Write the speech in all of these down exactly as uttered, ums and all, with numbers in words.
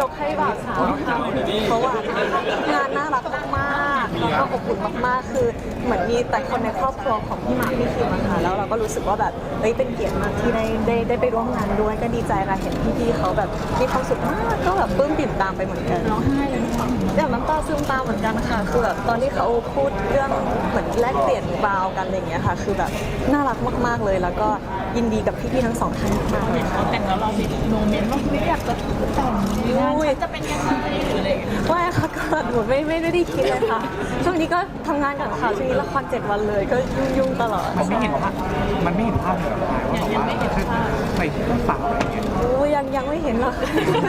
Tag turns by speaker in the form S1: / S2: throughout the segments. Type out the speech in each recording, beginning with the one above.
S1: กให้บ่าวสาวค่ะเพราะว่างานน่ารักมากๆแล้วก็อบอุ่นมากๆคือเหมือนมีแต่คนในครอบครัวของพี่หมากพี่คิมอะค่ะแล้วเราก็รู้สึกว่าแบบเฮ้ยเป็นเกียรติมากที่ได้ได้ได้ไปร่วมงานด้วยก็ดีใจค่ะเห็นพี่ๆเขาแบบมีความสุขมากก็แบบปลื้มปิ่มตามไปเหมือนกันร้องไห้เลยอย่างน้ำตาซึมตามเหมือนกันค่ะคือแบบตอนที่เขาพูดเรื่องเหมือนแลกเปลี่ยนบาวกันอะไรอย่างเงี้ยค่ะคือแบบน่ารักมากๆเลยแล้วก็ยินดีกับพี่ๆทั้งสองท่านมากเลยค่ะ
S2: แต่งแล้วเรามีโมเมนต์ว่าไม่อยากจะแต่งงานฉันจะเป็นยังไงหรืออะไร
S1: ไม่ค่ะก็หนูไม่ไม่ได้คิดเลยค่ะช่วงนี้ก็ทำงานกับข่าวช่วงนี้ละครเจ็ดวันเลยก็ยุ่งๆตลอด
S3: มันไม่เห็นภาพมันไม่เห็นภาพเลยว่าแบบว่าใส่ชุดสาวอะไรอย่างเงี้ย
S1: โอ้ยังยังไม่เห็นหรอก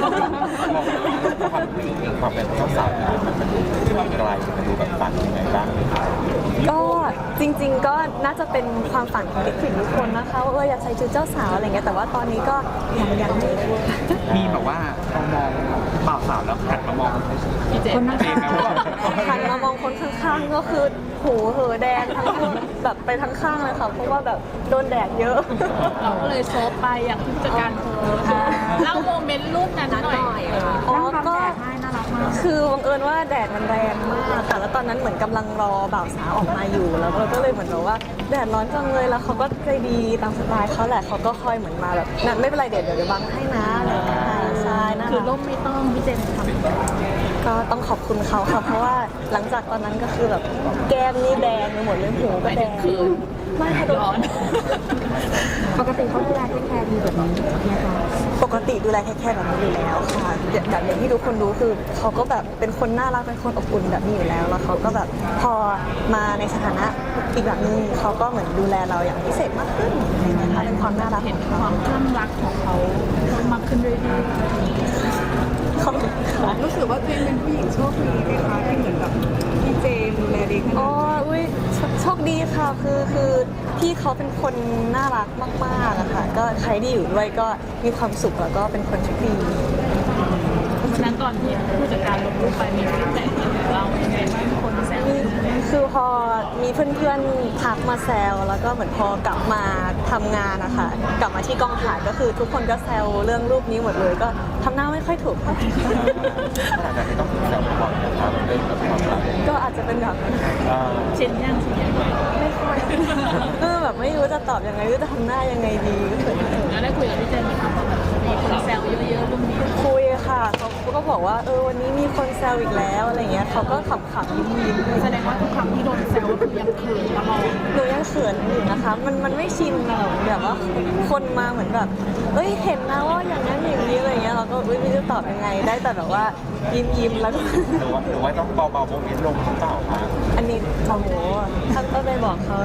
S4: ความผู้หญิงเองความเป็นเจ้าสาวมันมันดูไกลมันดูแบบฝันยังไงบ้าง
S1: ก็จริงๆก็น่าจะเป็นความฝันของเด็กผู้หญิงทุกคนนะคะว่าเอออยากใส่ชุดเจ้าสาวอะไรเงี้ยแต่ว่าตอนนี้ก็ยังยังไม่
S3: มีแบบว่าเรามองบ่าวสาวแล้วหันมามอง
S1: คนข้างๆหันมามองคนข้างๆก็คือหูเหอแดงทั้งแบบไปทั้งข้างเลยค่ะเพราะว่าแบบโดนแดดเยอะ
S2: เราก็เลยโซฟไปอย่างผู้จัดการโพสเล่าโมเมนต์รูปนั้นหน่อย
S1: อ๋อก็คือบังเอิญว่าแดดมันแรงมากค่ะแล้วตอนนั้นเหมือนกำลังรอบ่าวสาวออกมาอยู่แล้วเราก็เลยเหมือนแบบว่าแดดร้อนจังเลยแล้วเขาก็ใจดีตามสไตล์เขาแหละเขาก็คอยเหมือนมาแบบนั่นไม่เป็นไรเดี๋ยวเดี๋ยวบังให้นะอะไรอย่างเงี้ยใช่นะ
S2: คือร่มไม่ต้องพี่เจนทำ
S1: ก็ต้องขอบคุณเขาค่ะเพราะว่าหลังจากตอนนั้นก็คือแบบแก้มนี่แดงไปหมดเลยหูก็แดง
S2: คือ
S1: ไม่ค่ะ
S2: ร้อน
S1: ปกติเขาดูแลเทคแคร์ดีแบบนี้นะคะปกติดูแลแค่แค่แบบนี้อยู่แล้วค่ะแบบอย่างที่ทุกคนรู้คือเขาก็แบบเป็นคนน่ารักเป็นคนอบอุ่นแบบนี้อยู่แล้วแล้วเขาก็แบบพอมาในสถานะอีกแบบนึงเขาก็เหมือนดูแลเราอย่างพิเศษมากขึ้นนะคะเป็นความน่ารัก
S2: เห็นความคลั่งรักของเขาเพิ่มมากขึ้นเรื่อยๆ
S1: เขา
S5: รู้สึกว่าตัวเองเป็นผู้หญิงโชคดีไหมคะที่เหมือนแบบพี่เจมดูแลดีขนาด
S1: อ๋ออุ้ยโชคดีค่ะคือคือพี่เขาเป็นคนน่ารักมากๆอะค่ะก็ใครที่อยู่ด้วยก็มีความสุขแล้วก็เป็นคนโชคดี
S2: วันนั้นตอนที่ผู้จัดการลงรูปไปมีฟีดแบ็กเราอย่างไรบ้างคนแซว
S1: คือพอมีเพื่อนๆทักมาแซวแล้วก็เหมือนพอกลับมาทำงานนะคะกลับมาที่กองถ่ายก็คือทุกคนก็แซวเรื่องรูปนี้หมดเลยก็ทำหน้าไม่ค่อยถูก
S4: ขนาดนั้นไม่ต้องแซวบ่อยนะครับเรื่องแบบความรัก
S1: ก็อาจจะเป็นแบบ
S2: เช่นย่างชินยัง
S1: ไม่ค่อยเออแบบไม่รู้จะตอบยังไงหรือจะทำหน้ายังไงดีก็เขิน
S2: แล้วได้คุยกับพี่เจนไหมคะแบบมีคนแซวเยอะๆรูปนี้
S1: คุยค่ะเขาก็บอกว่าเออวันนี้มีคนแซวอีกแล้วอะไรเงี้ยเขาก็ขำๆยิ้ม
S2: ๆแสดงว่าทุกครั้งที่โดนแซวก็คือยังเขินตลอด
S1: หนูยังเขินอยู่นะคะมันมันไม่ชินเราแบบว่าคนมาเหมือนแบบเอ้ยเห็นนะว่าอย่างนั้นอย่างนี้อะไรเงี้ยเราก็ไม่รู้จะตอบยังไงได้แต่แบบว่ายิ้มยิ้มแล้วก็
S4: หรือว่าหรือว่าต้องเบาๆโมเมนต์ลงหรือเปล่าคะ
S1: อันนี้โอ้โหท่านก็ไปบอกเขา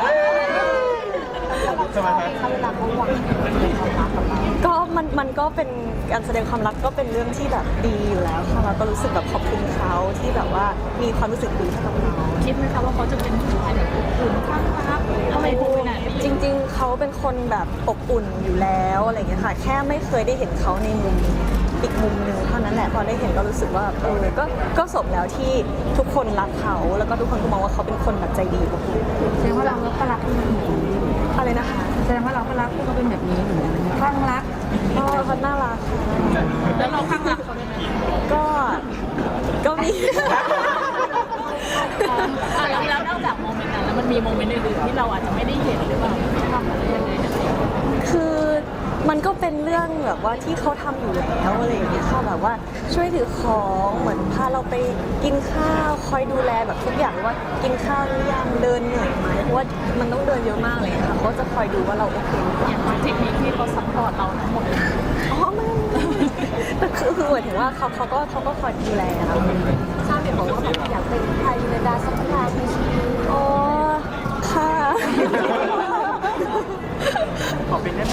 S4: ใช่ไหม
S1: คะเวลาเขาหวังก็มันมันก็เป็นการแสดงความรักก็เป็นเรื่องที่แบบดีอยู่แล้วค่ะเราก็รู้สึกแบบขอบคุณเขาที่แบบว่ามีความรู้สึกดีให้กับเรา
S2: คิดไหมคะว่าเขาจะเป็นผู้ชายแบบอุ่นข้างรักอะไรพวกนั้น
S1: จริงๆเขาเป็นคนแบบอบอุ่นอยู่แล้วอะไรอย่างเงี้ยค่ะแค่ไม่เคยได้เห็นเขาในมุมอีกมุมหนึ่งเท่านั้นแหละพอได้เห็นก็รู้สึกว่าเออก็ก็สมแล้วที่ทุกคนรักเขาแล้วก็ทุกคนก็มองว่าเขาเป็นคนแบบใจดีกับคุณ
S5: แสดงว่าเราก็รักเขา
S1: อะไรนะคะ
S5: แสดงว่าเราก็รักเขาเป็นแบบนี้เหมือนกันข้างรัก
S1: ก็เขาน่ารัก
S2: แล้วเราข้างรักเขาได้ไหม
S1: ก็ก็มี
S2: แล้วแล้วนอกจากโมเมนต์นั้นแล้วมันมีโมเมนต์อื่นๆที่เราอาจจะไม่ได้เห็นหรือเปล่าทำอะไรยังไง
S1: คือมันก็เป็นเรื่องแบบว่าที่เขาทำอยู่แล้วอะไรอย่างเงี้ยค่ะแบบว่าช่วยถือของเหมือนพาเราไปกินข้าวคอยดูแลแบบทุกอย่างว่ากินข้าวหรือยังเดินเหนื่อยไหมเพราะว่ามันต้องเดินเยอะมากเลยค่ะเขาจะคอยดูว่าเราโอเค
S2: อย่างเทคนิคที่เขาซัพพอร์ตเราทั้งหมด
S1: อ๋อไม่แต่คือคือหมายถึงว่าเขาเขาก็เขาก็คอยดูแลเราชอบเห็นบอกว่าอยากเป็นไทยในดาสักครั้งในชีวิตอ๋อค่ะ
S3: ขอเป็นได้ไหม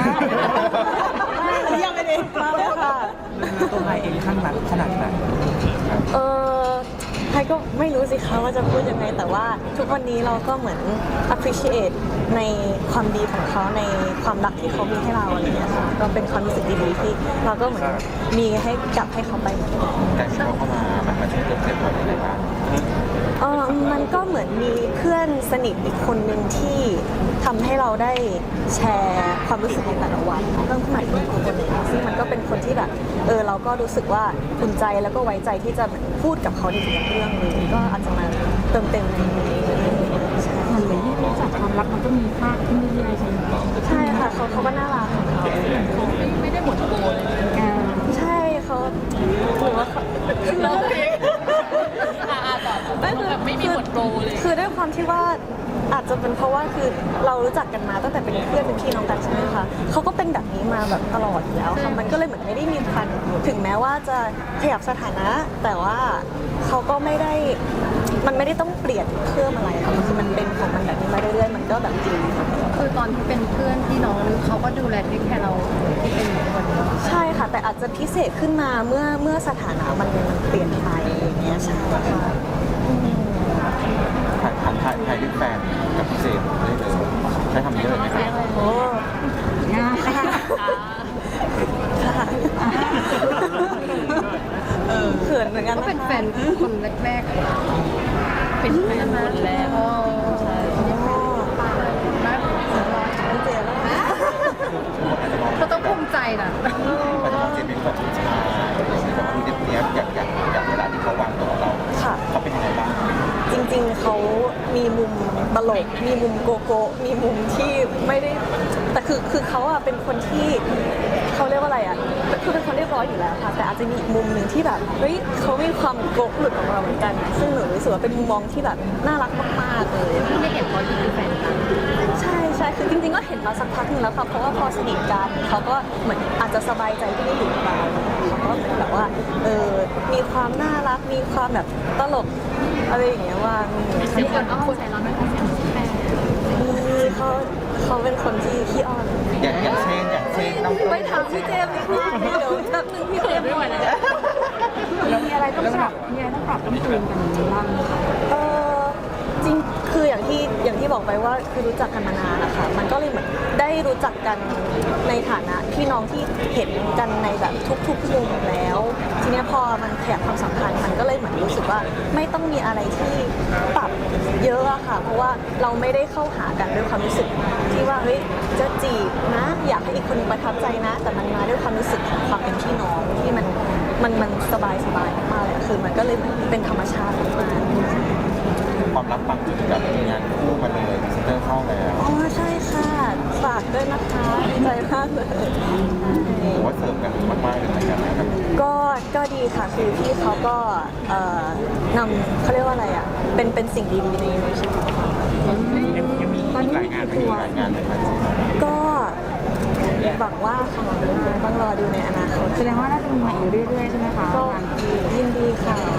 S1: ยังไม่ได้มาเลยค่ะ
S3: ตัวไทยเองข้างรักขนาดไหน
S1: เออไทยก็ไม่รู้สิคะว่าจะพูดยังไงแต่ว่าทุกวันนี้เราก็เหมือน appreciate ในความดีของเขาในความรักที่เขามีให้เราอะไรอย่างเงี้ยค่ะก็เป็นความรู้สึกดีๆที่เราก็เหมือนมีให้กลับให้เขาไป
S4: แต่ที่เขาเข้ามามันมาช่วยเติมเต็มเราได้บ้าง
S1: เออมันก็เหมือนมีเพื่อนสนิทอีกคนหนึ่งที่ทำให้เราได้แชร์ความรู้สึกในแต่ละวันเพิ่มขึ้นมาอีกคนหนึ่งซึ่งมันก็เป็นคนที่แบบเออเราก็รู้สึกว่าอุ่นใจแล้วก็ไว้ใจที่จะพูดกับเขาในทุกเรื่องเลยก็อาจจะมาเติมเต็มในนี้ใช่
S2: มันเหมือนที่รู้จักความรักมันก็มีภาคที่ไม่ได้ใช่ไหม
S1: ใช่ค่ะเขาเขาก็น่ารักของเขา
S2: ไม่ได้หมดโกเลย
S1: ใช่เขาหรือว่าเขา
S2: เราเองอ่าต่อแบบไม่มีหมดโกเลย
S1: คือด้วยความที่ว่าอาจจะเป็นเพราะว่าคือเรารู้จักกันมาตั้งแต่เป็นเพื่อนเป็นพี่น้องกันใช่ไหมคะเขาก็เป็นแบบนี้มาแบบตลอดอยู่แล้วค่ะมันก็เลยเหมือนไม่ได้มีพันถึงแม้ว่าจะขยับสถานะ แต่ว่าเขาก็ไม่ได้มันไม่ได้ต้องเปลี่ยนเพิ่มอะไรค่ะมันคือมันเป็นของมันแบบนี้มาเรื่อยๆมันก็แบบดีค่ะ
S5: คือตอนที่เป็นเพื่อนพี่น้องนึกเขาก็ดูแลที่แค่เราที่เป็นคนนี้
S1: ใช่ค่ะแต่อาจจะพิเศษขึ้นมาเมื่อเมื่อสถานะมันเปลี่ยนไปอย่างเงี้ยใช่ค่ะอืม
S4: ถ่ายถ่ายถ่ายถ่ายด้วยแฟนกับพี่เจมส์ได้เลยใช้คำนี้เลยไหมครับ
S1: โอ้
S2: ง่ายค่ะ
S1: ค่ะเขินเหมือนกัน
S5: ก็
S1: นะคะ
S5: เป็นแฟนคนแรกๆ
S2: เป็นแฟนคนแรก
S5: อ๋อ
S2: ใช่
S5: นะ
S1: พี่เจมส์นะคะ
S5: เขาต้องภูมิใจนะ
S4: ปัจจุบันเจมส์เป็นแบบผู้ชายแต่ว่าดูเรียบๆอย่างอย่างอย่างเวลาที่เขาวางตัวกับเรา
S1: ค่ะ
S4: เขาเป็นยังไงบ้าง
S1: จริงๆ เขามีมุมตลก มีมุมโกโก้ มีมุมที่ไม่ได้ แต่คือคือเขาอะเป็นคนที่เขาเรียกว่าอะไรอะคือเป็นคนเรียบร้อยอยู่แล้วค่ะ แต่อาจจะมีอีกมุมหนึ่งที่แบบ เฮ้ยเขามีความโกะหลุดออกมาเหมือนกัน ซึ่งหนูรู้สึกว่าเป็นมุมมองที่แบบน่ารักมากๆเลย
S5: ไม่เห็นเขาที่เป็นแฟนกัน
S1: ใช่ใช่คือจริงๆ ก็เห็นมาสักพักหนึงแล้วค่ะ เพราะว่าพอสนิทกันเขาก็เหมือนอาจจะสบายใจที่ได้อยู่กับเราเขาก็เหมือนแบบว่า เออ มีความน่ารัก มีความแบบตลกอะไรอย่างเงี้ยว่าง
S2: เสียงคนอ้อนใจเราไม่ค่อยเสียงแฟน
S1: นี่เขาเขาเป็นคนที่ขี้อ้อน
S4: อย่างอย่างเช่นอย่างเช่นน้อง
S1: ไปถามพี่เจมส์ดีกว่าเดี๋ยวแป๊บนึงพี่เจมส์
S2: ไม่ไหวแล้ว
S5: มีอะไรต้องปรับมีอะไรต้องปรับต้องจูนกันบ้าง
S1: เออจริงคืออย่างที่อย่างที่บอกไปว่าคือรู้จักกันมานานนะคะมันก็เลยเหมือนได้รู้จักกันในฐานะพี่น้องที่เห็นกันในแบบทุกๆมุมแล้ว ทีเนี้ยพอมันขยับความสัมพันธ์มันก็เลยเหมือนรู้สึกว่าไม่ต้องมีอะไรที่ปรับเยอะอะค่ะ เพราะว่าเราไม่ได้เข้าหากันด้วยความรู้สึกที่ว่าเฮ้ยจะจีบนะ อยากให้อีกคนหนึงประทับใจนะ แต่มันมาด้วยความรู้สึกของความเป็นพี่น้องที่มันมันมันสบายสบายมากๆเลยอะคือมันก็เลยเหมือนเป็นธรรมชาติมากๆ
S4: ความรักปังจนแบบมีงานคู่มาเลยพรีเซนเตอร์เข้าแล้ว
S1: อ๋อใช่ค่ะ ฝากด้วยนะคะดีใจมากเลย
S4: ผมว่าเสริมกันมากๆเลยเหมือนกันนะครับ
S1: ก็ก็ดีค่ะคือพี่เขาก็เอ่อนำเขาเรียกว่าอะไรอ่ะ เป็นเป็นสิ่งดีๆในในชีวิต
S3: ยังยังมีอีกหลายงานไหม
S4: มีหลายงานเลยครับ
S1: ก็หวังว่าค่ะต้องรอดูในอนาคต
S2: แสดงว่าน่าจะมีใหม่อยู่เรื่อยๆใช่ไหมคะ
S1: ก็ยินดีค่ะ